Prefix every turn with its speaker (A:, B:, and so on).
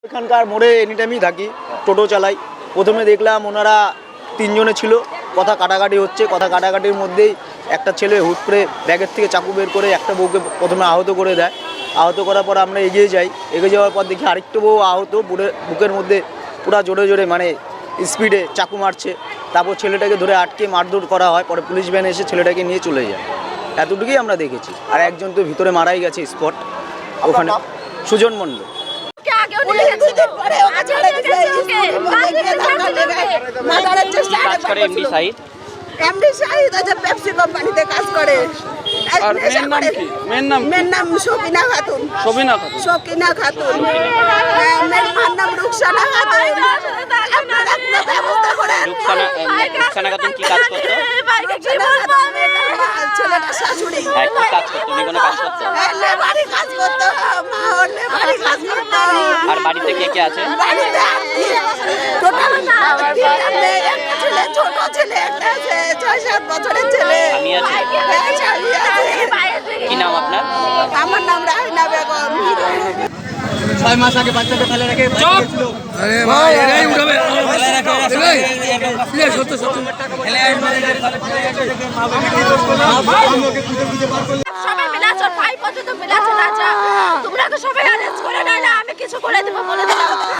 A: এখানকার মোড়ে এনি টাইমই থাকি, টোটো চালাই। প্রথমে দেখলাম ওনারা 3 জনে ছিল, কথা কাটাকাটি হচ্ছে। কথা কাটাকাটির মধ্যেই একটা ছেলে হুট করে ব্যাগের থেকে চাকু বের করে একটা বউকে প্রথমে আহত করে দেয়। আহত করার পর আমরা এগিয়ে যাই। এগিয়ে যাওয়ার পর দেখি আরেকটা বউ আহত, বুকের মধ্যে পুরা জোরে জোরে মানে স্পিডে চাকু মারছে। তারপর ছেলেটাকে ধরে আটকে মারধর করা হয়। পরে পুলিশ ভ্যান এসে ছেলেটাকে নিয়ে চলে যায়। এতটুকুই আমরা দেখেছি। আর একজন তো ভিতরে মারাই গেছে স্পট ওখানে, সুজন মণ্ডল।
B: এমডি শাহিদ আছে, পেপসি কোম্পানিতে কাজ করে।
C: আর মেয়ের নাম
B: সকিনা খাতুন। সকিনা খাতুন। মেয়ের নাম রুকসানা খাতুন। আপনারা একটা ব্যবস্থা করেন।
D: রুকসানা খাতুন কি কাজ করতো?
B: ছেলেটা শাশুড়ি।
D: কি কাজ করতো? উনি কোনো কাজ করতো?
B: লেবারি কাজ করতো। মা ওর লেবারি কাজ করতো।
D: আর বাড়িতে কে কে আছে?
B: বাড়িতে টোটাল একটা ছেলে, ছোট ছেলে একটা আছে, 6-7 বছরের ছেলে।
D: আমি আছি।
B: হ্যাঁ, স্বামী আছে।
D: কি নাম আপনার?
B: আমার নাম রাহিনা বেগম।
A: 6 মাস আগে বাচ্চাটা ফেলে রেখে
C: আরে ভাই এরাই উঠাবে সত্য সত্য
E: সবাই মিলাছো, ভাই পর্যন্ত মিলাছো না। তোমরা তো সবাই অ্যারেঞ্জ করে না, আমি কিছু করে দেবো বলে দিলাম।